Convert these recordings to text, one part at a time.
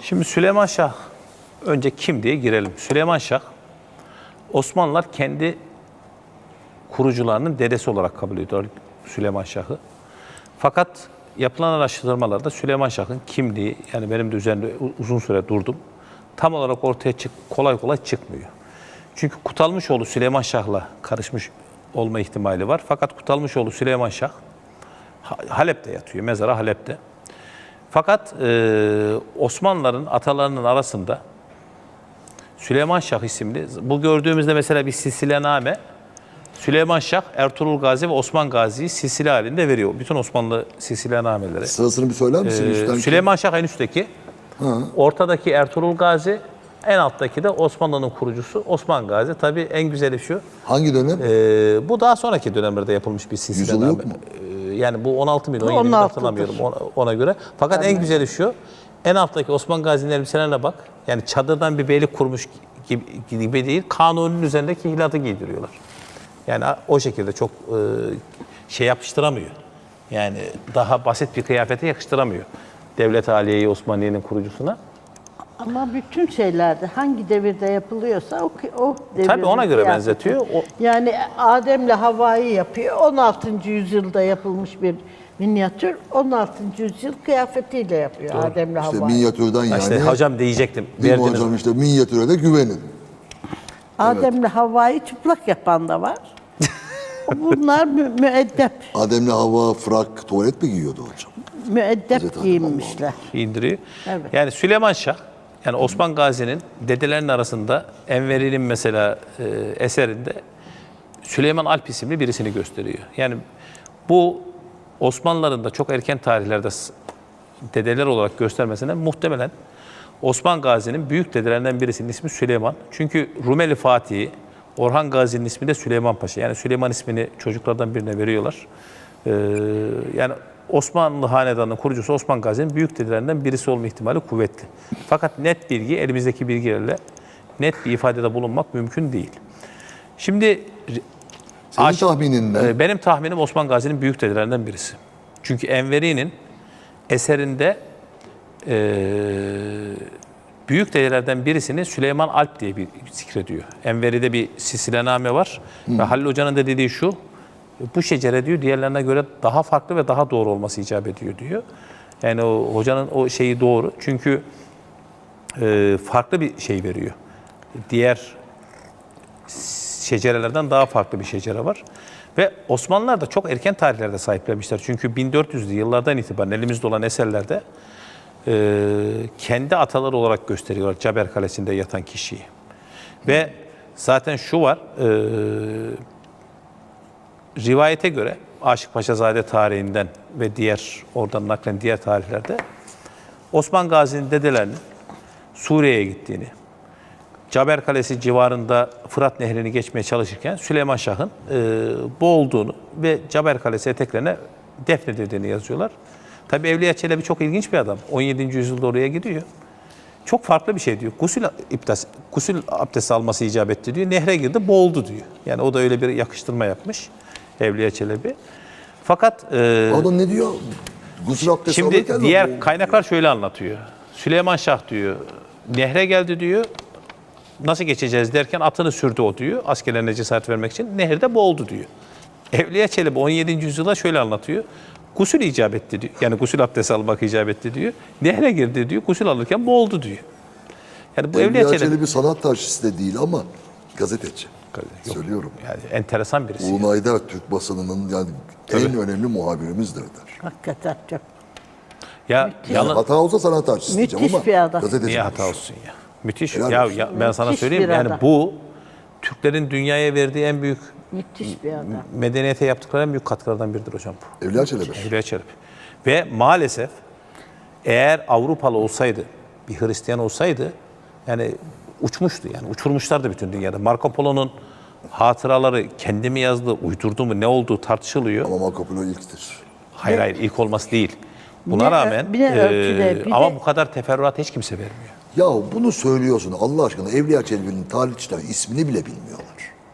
Şimdi Süleyman Şah önce kim diye girelim. Süleyman Şah, Osmanlılar kendi kurucularının dedesi olarak kabul ediyor Süleyman Şah'ı. Fakat yapılan araştırmalarda Süleyman Şah'ın kimliği, yani benim de üzerinde uzun süre durdum, tam olarak ortaya kolay kolay çıkmıyor. Çünkü Kutalmışoğlu Süleyman Şah'la karışmış olma ihtimali var. Fakat Kutalmışoğlu Süleyman Şah Halep'te yatıyor, mezarı Halep'te. Fakat Osmanlıların atalarının arasında Süleyman Şah isimli, bu gördüğümüzde mesela bir silsilename, Süleyman Şah, Ertuğrul Gazi ve Osman Gazi'yi silsile halinde veriyor. Bütün Osmanlı silsilenameleri. Sırasını bir söyler misin? Süleyman Şah en üstteki, ortadaki Ertuğrul Gazi, en alttaki de Osmanlı'nın kurucusu Osman Gazi. Tabii en güzeli şu. Hangi dönem? Bu daha sonraki dönemlerde yapılmış bir silsilename. Yüzyılı yok mu? Yani bu 16 bin, 17 bin hatırlamıyorum ona göre. Fakat en güzeli şu, en alttaki Osman Gazi'nin elbiselerine bak. Yani çadırdan bir beylik kurmuş gibi değil, kanunun üzerindeki hilatı giydiriyorlar. Yani o şekilde çok şey yapıştıramıyor. Yani daha basit bir kıyafete yakıştıramıyor. Devlet-i Aliye-i Osmaniye'nin kurucusuna. Ama bütün şeylerde hangi devirde yapılıyorsa o devirde. Tabii ona göre benzetiyor. Yani Adem'le Havva'yı yapıyor. 16. yüzyılda yapılmış bir minyatür. 16. yüzyıl kıyafetiyle yapıyor Adem'le İşte Havva'yı. minyatürden yani. İşte hocam diyecektim. Değil mi hocam, işte minyatüre de güvenin. Adem'le Havva'yı çıplak yapan da var. Bunlar müeddep. Adem'le Havva frak, tuvalet mi giyiyordu hocam? Müeddep Hazreti giyinmişler. İndiriyor. Evet. Yani Süleyman Şah, yani Osman Gazi'nin dedelerinin arasında Enveri'nin mesela eserinde Süleyman Alp isimli birisini gösteriyor. Yani bu Osmanlıların da çok erken tarihlerde dedeler olarak göstermesine muhtemelen Osman Gazi'nin büyük dedelerinden birisinin ismi Süleyman. Çünkü Rumeli Fatih'i, Orhan Gazi'nin ismi de Süleyman Paşa. Yani Süleyman ismini çocuklardan birine veriyorlar. Yani Osmanlı Hanedanı'nın kurucusu Osman Gazi'nin büyük dedelerinden birisi olma ihtimali kuvvetli. Fakat net bilgi, elimizdeki bilgilerle net bir ifadede bulunmak mümkün değil. Şimdi Senin tahminin ne? benim tahminim Osman Gazi'nin büyük dedelerinden birisi. Çünkü Enveri'nin eserinde büyük dedelerden birisini Süleyman Alp diye bir zikrediyor. Enveri'de bir silsilename var. Ve Halil Hoca'nın da dediği şu, bu şecere diyor diğerlerine göre daha farklı ve daha doğru olması icap ediyor diyor. Yani o hocanın o şeyi doğru. Çünkü farklı bir şey veriyor. Diğer şecerelerden daha farklı bir şecere var. Ve Osmanlılar da çok erken tarihlerde sahiplenmişler. Çünkü 1400'lü yıllardan itibaren elimizde olan eserlerde kendi ataları olarak gösteriyorlar Caber Kalesi'nde yatan kişiyi. Ve zaten şu var, rivayete göre Aşık Paşazade tarihinden ve oradan naklen diğer tarihlerde Osman Gazi'nin dedelerinin Suriye'ye gittiğini, Caber Kalesi civarında Fırat Nehri'ni geçmeye çalışırken Süleyman Şah'ın boğulduğunu ve Caber Kalesi eteklerine defnedildiğini yazıyorlar. Tabi Evliya Çelebi çok ilginç bir adam. 17. yüzyılda oraya gidiyor. Çok farklı bir şey diyor. Gusül abdesti alması icap etti diyor. Nehre girdi, boğuldu diyor. Yani o da öyle bir yakıştırma yapmış Evliya Çelebi. Fakat Adam ne diyor? Gusül abdesti şimdi diğer kaynaklar şöyle anlatıyor. Süleyman Şah diyor, nehre geldi diyor. Nasıl geçeceğiz derken atını sürdü o diyor. Askerlerine cesaret vermek için. Nehirde boğuldu diyor. Evliya Çelebi 17. yüzyılda şöyle anlatıyor. Gusül icap etti diyor. Yani gusül abdesti almak icap etti diyor. Nehre girdi diyor. Gusül alırken boğuldu diyor. Yani bu Evliya Çelebi sanat tarihçisi de değil ama gazeteci. Yok, Söylüyorum. yani enteresan birisi. Uğur Aydar Türk basınının yani en önemli muhabirimizdir der. Hakikaten çok. Ya Hata olsa sanat tarihçisi diyeceğim Müthiş ama bir adam. gazeteci. niye hata olsun ya? Müthiş. Helal Ya, olsun. ben sana Müthiş söyleyeyim bir yani adam. bu Türklerin dünyaya verdiği en büyük Müthiş bir adam. medeniyete yaptıkları en büyük katkılardan biridir hocam bu. Evliya Çelebi. Evliya Çelebi. Ve maalesef eğer Avrupalı olsaydı, bir Hristiyan olsaydı yani uçmuştu yani uçurmuşlardı bütün dünyada. Marco Polo'nun hatıraları kendi mi yazdı, uydurdu mu, ne olduğu tartışılıyor. Ama Marco Polo ilktir. Hayır ilk olması değil. Buna rağmen ama bu kadar teferruat hiç kimse vermiyor. Ya bunu söylüyorsun Allah aşkına, Evliya Çelebi'nin tarihçiler ismini bile bilmiyorlar.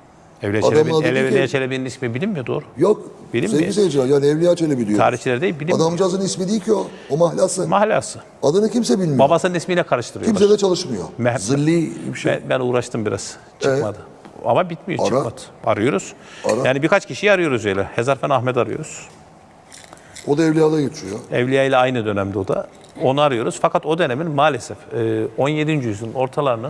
Adamın adı değil ki- Evliya Çelebi'nin ismi bilinmiyor, doğru. Yok. Bilinmiyor. Sevgili seyirciler, yani Evliya Çelebi diyor. Tarihçiler değil, bilinmiyor. Adamcağızın ismi değil ki o. O mahlası. Mahlası. Adını kimse bilmiyor. Babasının ismiyle karıştırıyorlar. Kimse de çalışmıyor. Meh- Zilli bir şey. Ben uğraştım biraz. Çıkmadı. Ama bitmiyor, Ara. çıkmadı. Arıyoruz. Ara. Yani birkaç kişiyi arıyoruz öyle. Hezarfen Ahmet arıyoruz. O da Evliya'da geçiyor. Evliya ile aynı dönemde o da. Onu arıyoruz. Fakat o dönemin maalesef 17. yüzyılın ortalarının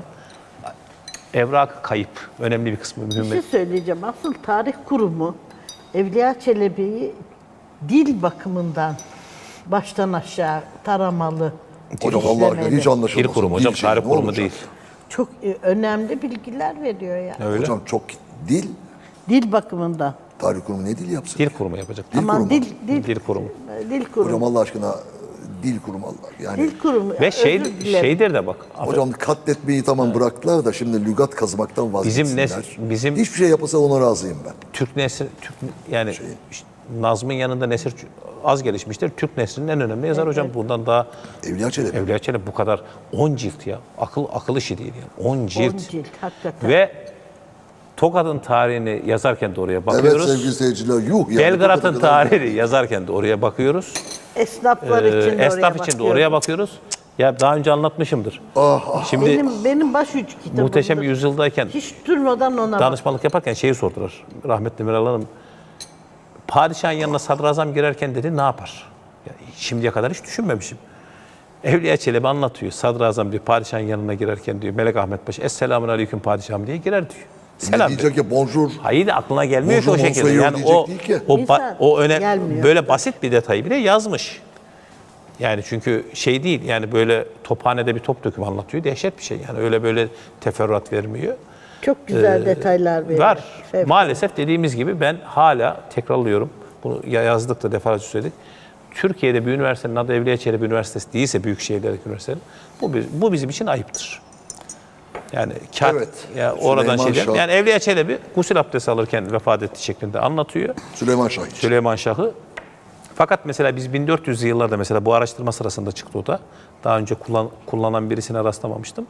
evrak kayıp. Önemli bir kısmı Bir mühim. şey söyleyeceğim. Asıl tarih kurumu Evliya Çelebi'yi dil bakımından baştan aşağı taramalı, Hocam Allah aşkına işlemeli. hiç anlaşılmaz. Dil kurumu hocam, Dil şeyi tarih ne kurumu olacak? değil. Çok önemli bilgiler veriyor ya. Öyle. Hocam çok dil, Dil bakımından. tarih kurumu ne dil yapsın? Dil kurumu yapacak. Dil Aman kurumu. Dil kurumu. Dil kurumu. Hocam Allah aşkına dil kurumu Allah. Yani Dil kurumu. Ve Özür dilerim. şeydir de bak. hocam katletmeyi tamam bıraktılar da şimdi lügat kazmaktan vazgeçsinler. bizim- Hiçbir şey yapılsa ona razıyım ben. Türk nesri, yani işte Nazm'ın yanında nesir az gelişmiştir. Türk neslinin en önemli yazar hocam. Bundan daha Evliya Çelebi. Evliya Çelebi bu kadar 10 cilt ya. Akıl işi değil yani. 10 cilt. 10 cilt hakikaten. Ve Tokat'ın tarihini yazarken de oraya Evet bakıyoruz. sevgili seyirciler yuh yani. Belgrad'ın bu kadar- tarihini yazarken de oraya bakıyoruz. Esnaflar için de Esnaf oraya için de bakıyorum. oraya bakıyoruz. Ya daha önce anlatmışımdır. Şimdi Benim başucu kitabımdır. Muhteşem Yüzyıldayken Hiç durmadan ona bak. danışmanlık yaparken şeyi sordular. Rahmetli Meral Hanım. Padişahın yanına sadrazam girerken dedi ne yapar? Ya, şimdiye kadar hiç düşünmemişim. Evliya Çelebi anlatıyor. Sadrazam diyor padişahın yanına girerken diyor Melek Ahmet Paşa Esselamun Aleyküm padişahım diye girer diyor. Ne Selam diyor. diyecek ya bonjour. Hayır aklına gelmiyor ki o Bonjour, şekilde. bonsoir Yani diyecek o değil ki. İnsan gelmiyor. böyle basit bir detayı bile yazmış. Yani çünkü şey değil yani böyle tophanede bir top döküm anlatıyor. Dehşet bir şey yani öyle böyle teferruat vermiyor. Çok güzel detaylar veriyor. Var. Evet. Maalesef dediğimiz gibi ben hala tekrarlıyorum. Bunu yazdık da defalarca söyledik. Türkiye'de bir üniversitenin adı Evliya Çelebi Üniversitesi değilse büyük şehirlerdeki üniversitenin bu bizim için ayıptır. Yani Evet. ya oradan Süleyman şey Şah. yani Evliya Çelebi gusül abdesti alırken vefat etti şeklinde anlatıyor. Süleyman Şah için. Süleyman Şah'ı. Fakat mesela biz 1400'lü yıllarda mesela bu araştırma sırasında çıktı o da. Daha önce kullanan birisine rastlamamıştım.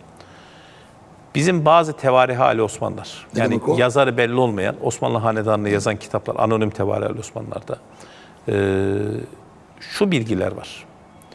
Bizim bazı tevarih Ali Osmanlılar. Ne Yani demek o? yazarı belli olmayan Osmanlı Hanedanı'nı yazan kitaplar, anonim tevarih Ali Osmanlılar'da. Şu bilgiler var.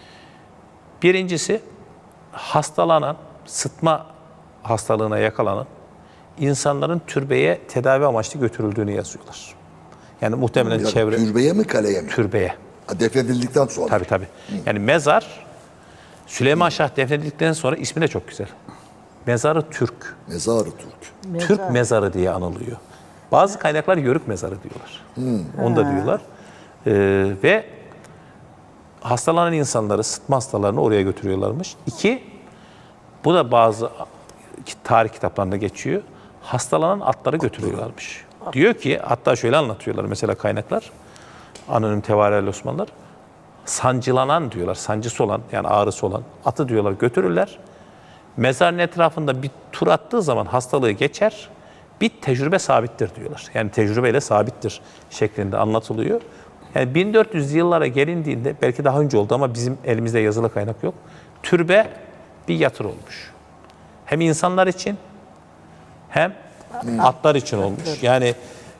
Birincisi hastalanan, sıtma hastalığına yakalanan insanların türbeye tedavi amaçlı götürüldüğünü yazıyorlar. Yani muhtemelen Ya, çevre türbeye mi kaleye mi? türbeye. Ha, defnedildikten sonra. Tabii tabii. Yani mezar Süleyman Şah defnedildikten sonra ismi de çok güzel. Mezarı Türk. Mezarı Türk. Türk mezarı diye anılıyor. Bazı kaynaklar Yörük mezarı diyorlar. Onu da diyorlar. Ve hastalanan insanları, sıtma hastalarını oraya götürüyorlarmış. İki, bu da bazı tarih kitaplarında geçiyor. Hastalanan atları götürüyorlarmış. Diyor ki, hatta şöyle anlatıyorlar mesela kaynaklar. Anonim tevarihli Osmanlılar. Sancılanan diyorlar, sancısı olan yani ağrısı olan atı diyorlar götürürler. Mezarın etrafında bir tur attığı zaman hastalığı geçer. Bir tecrübe sabittir diyorlar. Yani tecrübeyle sabittir şeklinde anlatılıyor. Yani 1400 yıllara gelindiğinde belki daha önce oldu ama bizim elimizde yazılı kaynak yok. Türbe bir yatır olmuş. Hem insanlar için hem atlar için olmuş. Yani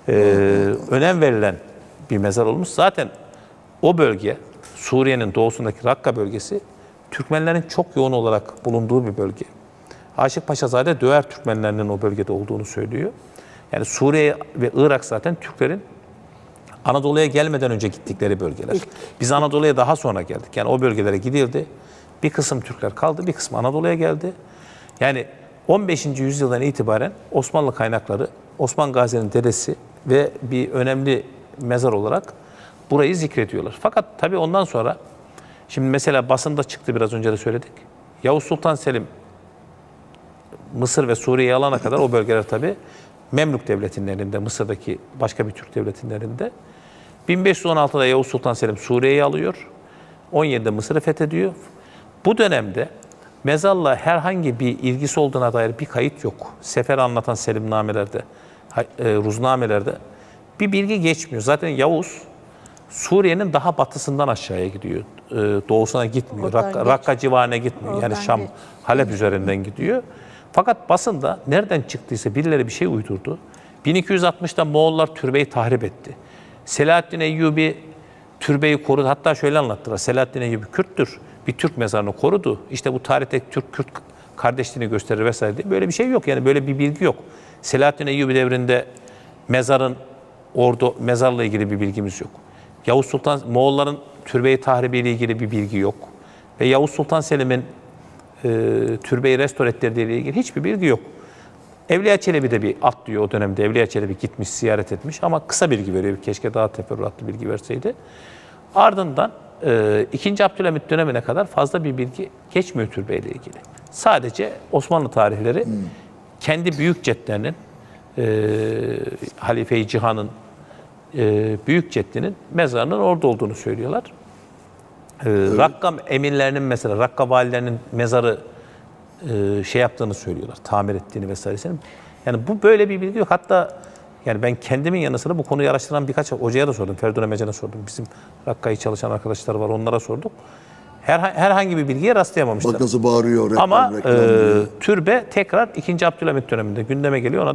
önem verilen bir mezar olmuş. Zaten o bölge Suriye'nin doğusundaki Rakka bölgesi Türkmenlerin çok yoğun olarak bulunduğu bir bölge. Aşık Paşazade Döver Türkmenlerinin o bölgede olduğunu söylüyor. Yani Suriye ve Irak zaten Türklerin Anadolu'ya gelmeden önce gittikleri bölgeler. Biz Anadolu'ya daha sonra geldik. Yani o bölgelere gidildi. Bir kısım Türkler kaldı, bir kısmı Anadolu'ya geldi. Yani 15. yüzyıldan itibaren Osmanlı kaynakları, Osman Gazi'nin dedesi ve bir önemli mezar olarak burayı zikrediyorlar. Fakat tabii ondan sonra, şimdi mesela basında çıktı biraz önce de söyledik. Yavuz Sultan Selim Mısır ve Suriye'yi alana kadar o bölgeler tabii Memlük Devleti'nin elinde, Mısır'daki başka bir Türk devletinin elinde. 1516'da Yavuz Sultan Selim Suriye'yi alıyor. 17'de Mısır'ı fethediyor. Bu dönemde mezarla herhangi bir ilgisi olduğuna dair bir kayıt yok. Seferi anlatan selimnamelerde, ruznamelerde bir bilgi geçmiyor. Zaten Yavuz Suriye'nin daha batısından aşağıya gidiyor. Doğusuna gitmiyor. Rakka civarına gitmiyor. Yani Şam, Halep üzerinden gidiyor. Fakat basında nereden çıktıysa birileri bir şey uydurdu. 1260'da Moğollar türbeyi tahrip etti. Selahaddin Eyyubi türbeyi korudu. Hatta şöyle anlattılar. Selahaddin Eyyubi Kürttür. Bir Türk mezarını korudu. İşte bu tarihte Türk-Kürt kardeşliğini gösterir vesaire diye. Böyle bir şey yok. Yani böyle bir bilgi yok. Selahaddin Eyyubi devrinde mezarla ilgili bir bilgimiz yok. Yavuz Sultan Moğolların türbeyi tahribiyle ilgili bir bilgi yok. Ve Yavuz Sultan Selim'in türbeyi restore ettirdiğiyle ilgili hiçbir bilgi yok. Evliya Çelebi de bir atlıyor o dönemde. Evliya Çelebi gitmiş, ziyaret etmiş ama kısa bilgi veriyor. Keşke daha teferruatlı bilgi verseydi. Ardından 2. Abdülhamit dönemine kadar fazla bir bilgi geçmiyor türbeyle ilgili. Sadece Osmanlı tarihleri kendi büyük cedlerinin, Halife-i Cihan'ın büyük ceddinin mezarının orada olduğunu söylüyorlar. Rakka emirlerinin mesela, Rakka valilerinin mezarı şey yaptığını söylüyorlar, tamir ettiğini vesairesini. Yani bu böyle bir bilgi yok. Hatta yani ben kendimin yanı sıra bu konuyu araştıran birkaç hocaya da sordum. Ferdun Emecan'a sordum. Bizim Rakka'yı çalışan arkadaşlar var, onlara sorduk. Herhangi bir bilgiye rastlayamamışlar. Bak nasıl bağırıyor. Ama reklam diyor. türbe tekrar 2. Abdülhamit döneminde gündeme geliyor. Ona